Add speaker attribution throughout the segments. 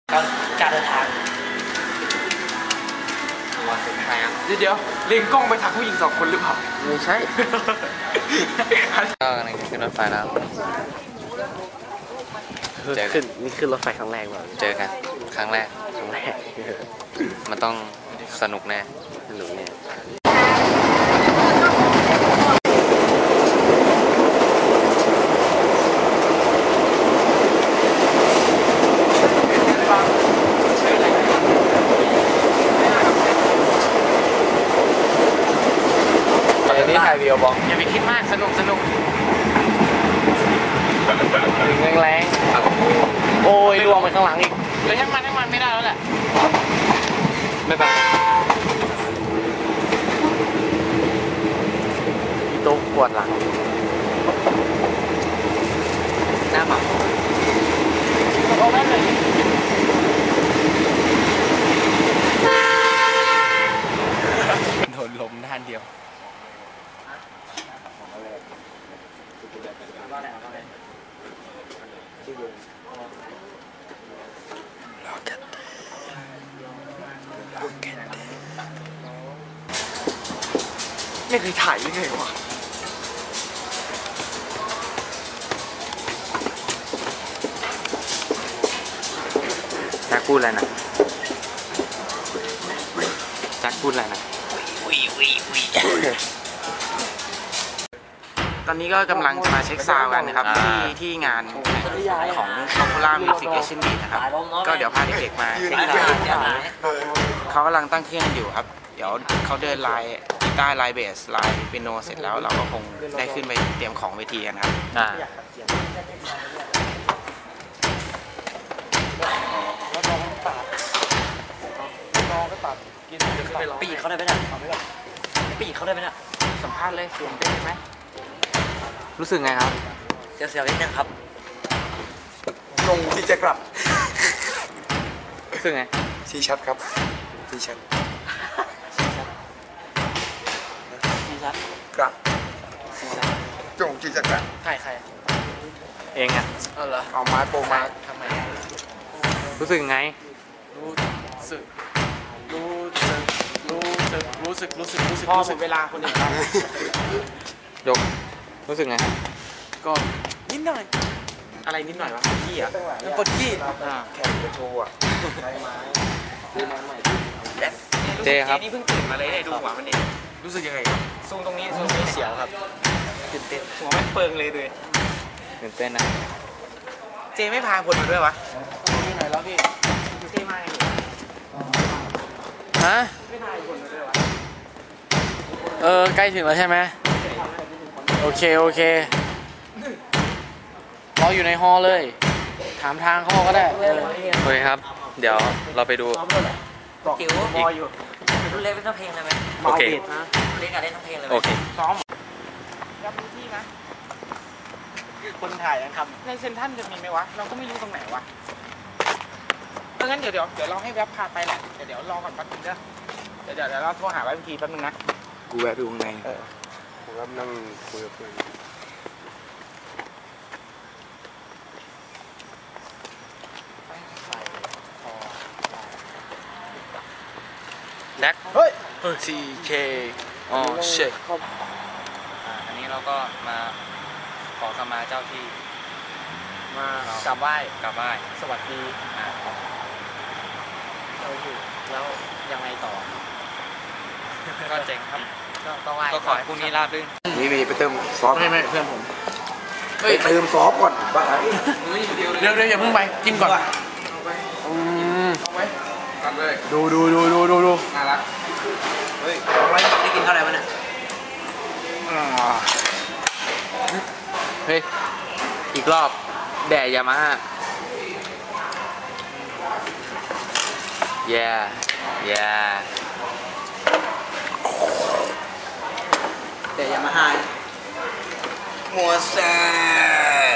Speaker 1: การเดินทาง
Speaker 2: วันสุดท้ายอ่ะ
Speaker 3: เดี๋ยวเล็งกล้องไปทางผู้หญิง2 คนหรือเปล่า
Speaker 2: ไม่ใช่ก็กำลังขึ้นรถไฟแล้ว
Speaker 1: นี่คือรถไฟครั้งแรกแบบ
Speaker 2: เจอกันครั้งแรกมันต้องสนุกแน่
Speaker 1: สนุกเนี่ย
Speaker 2: นี่ถ่ายวิดีโอบอก
Speaker 3: อย่าไปคิดมากสนุกถึง
Speaker 1: แรงโอ้ยล่วงไปข้างหลังอีก
Speaker 3: เลยทั้งมันไม่ได้แล้วแหละ
Speaker 1: ไม่ไปโต๊ะปวดหลังหน้าหมา
Speaker 3: เอาได้เลย
Speaker 2: โดนลมด้านเดียว
Speaker 3: ไม่เคยถ่ายยังไงวะ
Speaker 2: แจ็คพูดอะไรนะแจ็คพูดอะไรนะ
Speaker 3: ตอนนี้ก็กำลังจะมาเช็คซาวด์กันนะครับที่งานของ Popular Music Asian Beat นะครับก็เดี๋ยวพาเด็กๆมาเช็คซาวด์เขากำลังตั้งเครื่องอยู่ครับเดี๋ยวเขาเดินไลน์กีตาร์ไลน์เบสไลน์เปียโนเสร็จแล้วเราก็คงได้ขึ้นไปเตรียมของเวทีกันครับ
Speaker 1: ปีกเขาได้ไหมเนี่ยปีกเขาได้ไหมเนี่ย
Speaker 3: สัมภาษณ์เลยเสียงเป็นไหม
Speaker 2: รู้สึกไงครับ
Speaker 1: เสียวนิดนึงครับ
Speaker 3: ลงที่จะกลับ
Speaker 2: รู้สึกไง
Speaker 3: ชี้ชัดครับชี้ชัดกลับจงที่จะกลับ
Speaker 1: ใคร
Speaker 2: เองอ่ะ
Speaker 3: เหรอเอาไม้โปรมา
Speaker 1: ทำไม
Speaker 2: รู้สึกไง
Speaker 3: รู้สึกพอหมดเวลาคนอื่นครับ
Speaker 2: ยกรู้สึกไง
Speaker 3: ก็นิดหน่อยอะไรนิดหน่อยวะขี้อ่ะปวดขี้แข่งกระโชว์อ่ะ
Speaker 2: เจครับ
Speaker 3: นี่เพิ่งตื่นมาเลยได้ดูหัวมันเองรู้สึกยังไงทรงตรงนี้เสียวครับตื่นเต้นหัวไม่เปิงเลย
Speaker 2: ตื่นเต้นนะ
Speaker 3: เจไม่พาคนมาด้วยวะที่ไหนแล้วพี่เจมาไง
Speaker 2: ฮะ
Speaker 3: ไม่พาคนมาด้วยวะ
Speaker 2: ใกล้ถึงแล้วใช่ไหมโอเคเราอยู่ในฮอลเลยถามทางเขาก็ได้โอเคครับเดี๋ยวเราไปดู
Speaker 1: จิ๋วบอยอยู่รุ่นเล็กเล่นทั้งเพลงเลยไหม
Speaker 2: โอเค
Speaker 1: เล่นกันเล่นทั้งเพลงเลย
Speaker 2: โอเค
Speaker 3: ซ้อมรับพื้นที่นะคนถ่ายนะครับในเซ็นทรัลจะมีไหมวะเราก็ไม่รู้ตรงไหนวะงั้นเดี๋ยวเราให้แวบพาไปแหละเดี๋ยวรอก่อนแป๊บนึงเด้อเดี๋ยวเราโทรหาแวบทีแป๊บนึงนะ
Speaker 2: กูแวะไปข้างใน
Speaker 3: ผมก็นั่งคุยกับเพื่อน
Speaker 2: แน็ก
Speaker 3: เฮ้ย
Speaker 2: TK อ๋อเช็คอันนี้เราก็มาขอขมาเจ้าที่
Speaker 3: มากราบไหว้สวัสดี
Speaker 1: แล้วยังไงต่อ
Speaker 2: ก็เจ๋งครับ
Speaker 1: ก็ไหว้
Speaker 2: ก็ขอให้พรุ่งนี้ราบรื่น
Speaker 3: นี่ไปเติมซอส
Speaker 1: ไม่เพื่อนผม
Speaker 3: ไปเติมซอสก่อนบ้าเดี๋ยวอย่าเพิ่งไปกินก่อนเอาไว้ตัดเลยดูน่ารักเฮ้ยเอาไว้ได้กินเท่าไหร่วะเนี่ย
Speaker 2: เฮ้ยอีกรอบแดดยามาฮ่าแย่
Speaker 1: แต่ยามาฮ่า
Speaker 3: มัวแซ่บ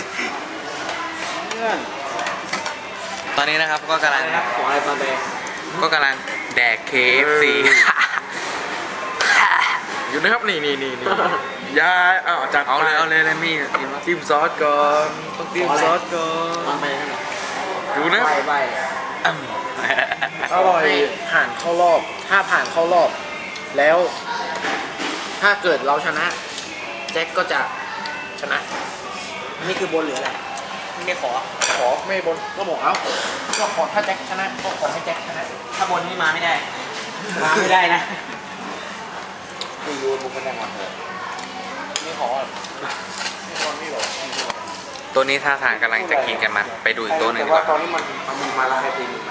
Speaker 2: ตอนนี้นะครับก็กำลังแดก KFC
Speaker 3: อยู่นะครับนี่ยาจัด
Speaker 2: เอาเลยมี
Speaker 3: จิ้มซอสก่อนต้องจิ้มซอสก่อน
Speaker 2: ดูนะ
Speaker 3: ใบอร่อยผ่านเข้ารอบถ้าผ่านเข้ารอบแล้ว ถ้าเกิดเราชนะแจ็คก็จะชนะนี่คือบนหรืออะไรไม่ขอไม่บนก็บอกแล้วก็ขอถ้าแจ็คชนะก็ขอให้แจ็คชนะถ้าบนนี่มาไม่ได้นะไม่รู้บุกไม่ได้มาเถอะไม่ขอไม่บนไม่หรอก
Speaker 2: ตัวนี้ท่าทางกำลังจะกินกันมาไปดูอีกตัวหนึ่งดีกว่า
Speaker 3: ตอนนี้มันมีมาแล้วใครตีมัน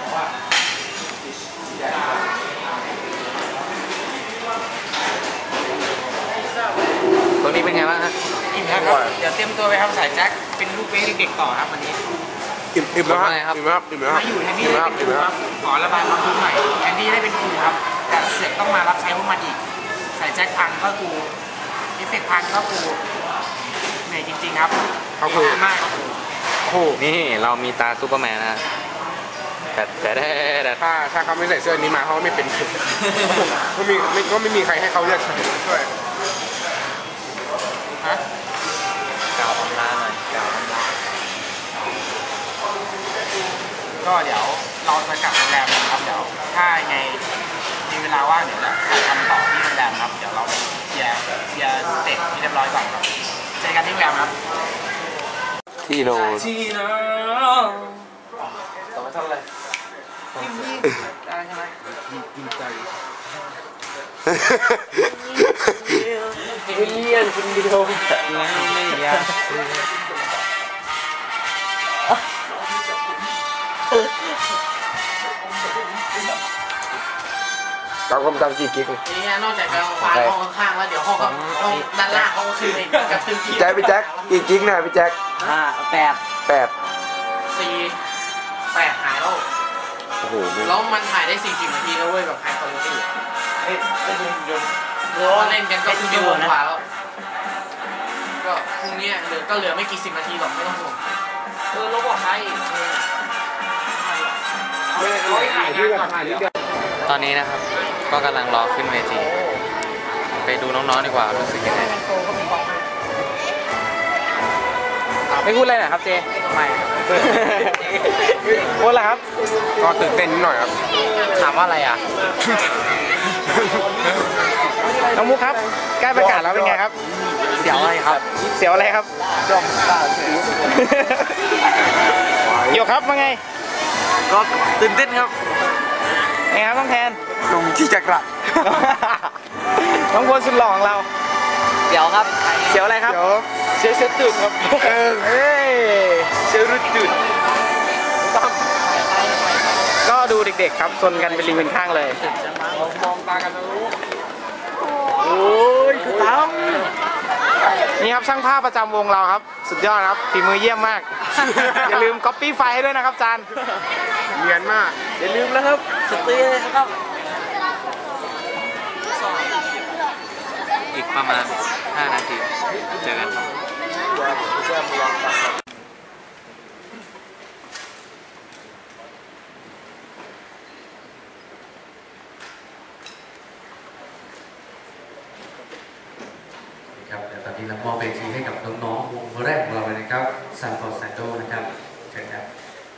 Speaker 2: ตัวนี้เป็นไงบ้างฮะ
Speaker 3: อิ่มแล้วครับเดี๋ยวเตรียมตัวไปทำสายแจ็คเป็นลูกเวเด็กๆต่อครับวันนี้
Speaker 4: อิ่มแล้วครับอิ่มแล้วครับอิ่มแล้วค
Speaker 3: มา
Speaker 4: รับ
Speaker 3: อยู่แทนที่ได้เป็นครูครับขอระบายความทุกข์หน่อยแทนที่ได้เป็นครูครับแต่เสือกต้องมารับใช้พวกมันอีกสายแจ็คพังก็ครูเอฟเฟกต์พังก็ครูเหนื่อยจริงๆครับขอบคุณมากครับครู
Speaker 4: โอ้โห
Speaker 2: นี่เรามีตาซูเปอร์แมนนะฮะแต่
Speaker 4: ถ้าเขาไม่ใส่เสื้อนี้มาเขาไม่เป็นก็ไม่มีใครให้เขาเลือกช่วย
Speaker 3: ฮะ
Speaker 2: กล่าวอำลาหน่อยกล่าวอำลา
Speaker 3: ก็เดี๋ยวเราจะกลับโรงแรมนะครับเดี๋ยวถ้ายังไงมีเวลาว่างเดี๋ยวจะถ่ายทำต่อที่โรงแรมครับเดี๋ยวเราไปเคลียร์สเต็ปที่เรียบร้อยก่อนครับเจอกันที่โรงแรมครับ
Speaker 1: ที่โน
Speaker 3: ต่อไปทำอะไรได้ใช่ไหมกินใจเลี่ยนคนเดียวแล้วไม่อยาก
Speaker 4: ตามความจำกี่กิ๊ก
Speaker 3: นี่นอกจากจะวางห้องข้างๆแล้วเดี๋ยวห้องด้านล่างเขาก็คือในกระทึก
Speaker 4: พี่แจ็คกี่กิ๊กนะพี่แจ็ค
Speaker 3: 8 หายแล้ว
Speaker 4: โอ้โห
Speaker 3: แล้วมันถ่ายได้40 นาทีแล้วเว้ยแบบไฮคุณภาพเล่นกันก็คือชั่วโมงกว่าแล้วก็พรุ่งนี้เหลือไม่กี่10 นาทีหรอกไม่ต้องห่วงลบออกไปถ่ายงานก่อนถ่ายเดี๋ยว
Speaker 2: ตอนนี้นะครับก็กำลังรอขึ้นเวทีไปดูน้องๆดีกว่ารู้สึกยังไง
Speaker 3: ไม่พูดอะไรหน่อยครับเจไม่พูดอะไรครับ
Speaker 4: ก็ตื่นเต้นนิดหน่อยครับ
Speaker 3: ถามว่าอะไรอ่ะ น้องมุกครับใกล้ประกาศแล้วเป็นไงครับ เสียวอะไรครับ เสียวอะไรครับจอมตาโยครับว่าไง
Speaker 2: ก็ตื่นเต้นครับ
Speaker 3: ไงครับต้องแทน
Speaker 4: ลงที่จักระ
Speaker 3: น้องพลสุดหล่อของเรา
Speaker 2: เดี๋ยวครับ
Speaker 3: เสียวอะไรครับ เสียวจุดครับเอ้ยเสียวรุดจุดก็ดูเด็กๆครับซนกันเป็นลิงเป็นข้างเลยมองตากันนะรู้โอ้ยคือตั้มนี่ครับช่างภาพประจำวงเราครับ สุดยอดครับฝีมือเยี่ยมมาก อย่าลืมก๊อปปี้ไฟล์ให้ด้วยนะครับจาน
Speaker 4: เนียนมาก
Speaker 3: อย่าลืมนะครับสตรีนะครับ
Speaker 2: อีกประมาณ5 นาทีเจอกันครับ
Speaker 5: ครับตอนนี้เรามอบเวทีให้กับน้องๆวงแรกของเราเลยนะครับซันฟอร์ดแซนโดนะครับเชิญครับ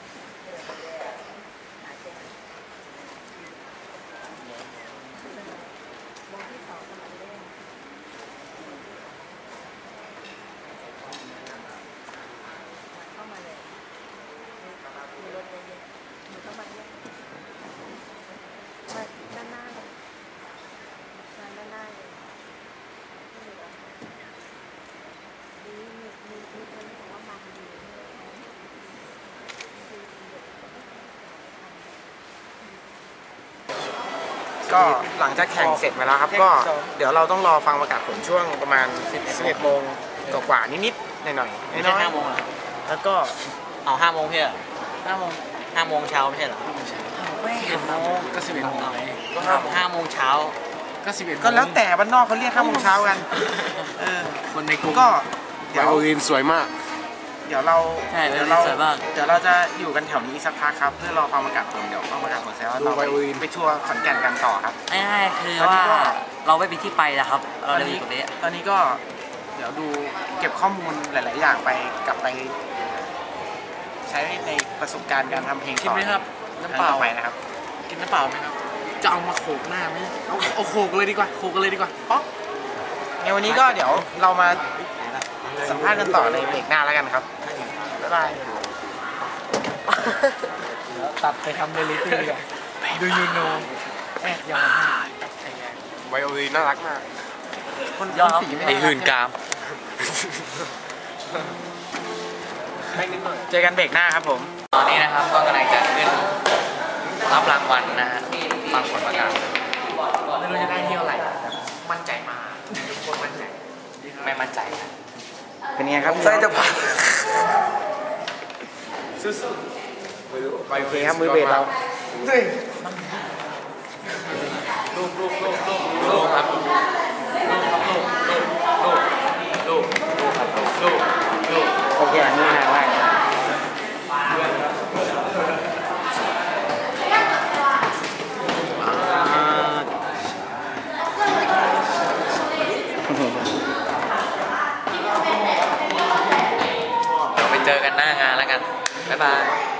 Speaker 3: ก็หลังจากแข่งเสร็จมาแล้วครับก็เดี๋ยวเราต้องรอฟังประกาศผลช่วงประมาณ 11 โมงกว่านิดๆหน่อยๆ
Speaker 6: ไม่ใช่5 โมงเหรอ
Speaker 3: แล้วก็
Speaker 6: เอา5 โมงเพี่เหรอ5 โมงเช้าไม่ใช่เหรอ
Speaker 3: ก็ 11 โมง
Speaker 6: ก็5 โมงเช้า
Speaker 3: ก็ 11 ก็แล้วแต่บ้านนอกเขาเรียก5 โมงเช้ากัน
Speaker 6: คนในกลุ่ม
Speaker 3: ก็
Speaker 4: ไวโอลินสวยมาก
Speaker 3: เดี๋ยวเรา
Speaker 6: ใช่
Speaker 3: เดี๋ยว
Speaker 6: ไวโอลินสวยมาก
Speaker 3: เราจะอยู่กันแถวนี้อีกสักพักครับเพื่อรอฟังประกาศผลเดี๋ยวฟังประกาศผลเสร็จแล้ว
Speaker 4: ดู
Speaker 3: เรา
Speaker 4: ไวโอลิน
Speaker 3: ไปทัวร์ขอนแก่นกันต่อครับ
Speaker 6: ง่ายๆคือ
Speaker 3: ตอนนี้
Speaker 6: ว่า
Speaker 3: ก็
Speaker 6: เราไม่มีที่ไปนะครับ เราจะอยู่ตรงนี้
Speaker 3: ตอนนี้ก็เดี๋ยวดูเก็บข้อมูลหลาย ๆ อย่างไปกลับไป ใช้ในประสบการณ์การทำเพลง
Speaker 1: กินไหมครับ น้ำเปล่า
Speaker 3: ต่อไปนะครับ
Speaker 1: กินน้ำเปล่าไหมครับ จะเอามาโขกหน้าไหมเอาโขกเลยดีกว่า โขกกันเลยดีกว่าป๊อก
Speaker 3: ในวันนี้ก็เดี๋ยวเรามาสัมภาษณ์กันต่อในเบรกหน้าแล้วกันครับ บ๊ายบาย
Speaker 1: ตัดไปทำเรลิตี้ดีกว่าดูยูโนแอบยอมให้
Speaker 4: ไวโอลินน่ารักมาก
Speaker 3: คนสีไม่
Speaker 1: ไอ
Speaker 3: ได้
Speaker 1: หื่นกาม
Speaker 3: เจอกันเบรกหน้าครับผม
Speaker 2: ตอนนี้นะครับก็กำลังจะขึ้นรับรางวัลนะฮะฟังผลประกาศ
Speaker 1: ไม่รู้จะได้เที่ยวไหร่มั่นใจมาทุกคนมั่นใจ
Speaker 2: ไม่มั่นใจนะ
Speaker 3: เป็นไงครับไส้จะผ่าน
Speaker 4: ไป
Speaker 3: โอเคครับมือเบสเรา
Speaker 2: ลูกครับลูก
Speaker 3: โอเคอันนี้นะว่า
Speaker 2: เดี๋ยวไปเจอกันหน้างานแล้วกัน บ๊ายบาย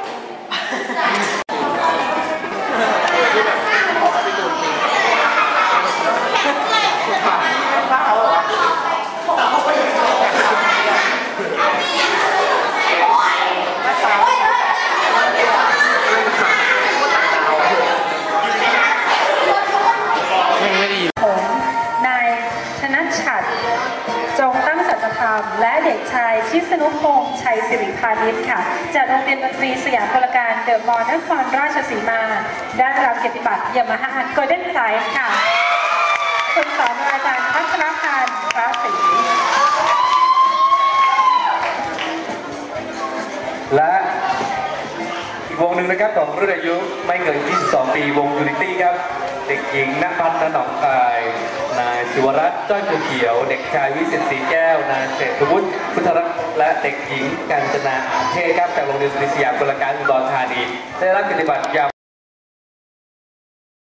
Speaker 7: ผมนายชนะฉัตรจงตั้งสัจธรรมและเด็กชายชิสนุพงษ์ชัยสิริพานิชค่ะจากโรงเรียนดนตรีสยามพลการเดอะมอลล์นครราชสีมาได้รับเกียรติบัตรยามาฮ่าโกลเด้นไพรส์ค่ะคุณสอนอาจารย์พัชรพันธ์พระศรี
Speaker 5: และอีกวงหนึ่งนะครับของรุ่นอายุไม่เกิน 22 ปีวงยูนิตี้ครับ เด็กหญิงณภัทรหนองคายนายศิวรัตน์จ้อยภูเขียว เด็กชายวิสิตศรีแก้วนายเศรษฐวุฒิพุทธรักษ์และเด็กหญิงกัญจนาอาเทศครับจากโรงเรียนสยามกุลการอุดรธานีได้รับเกียรติบัตรยาม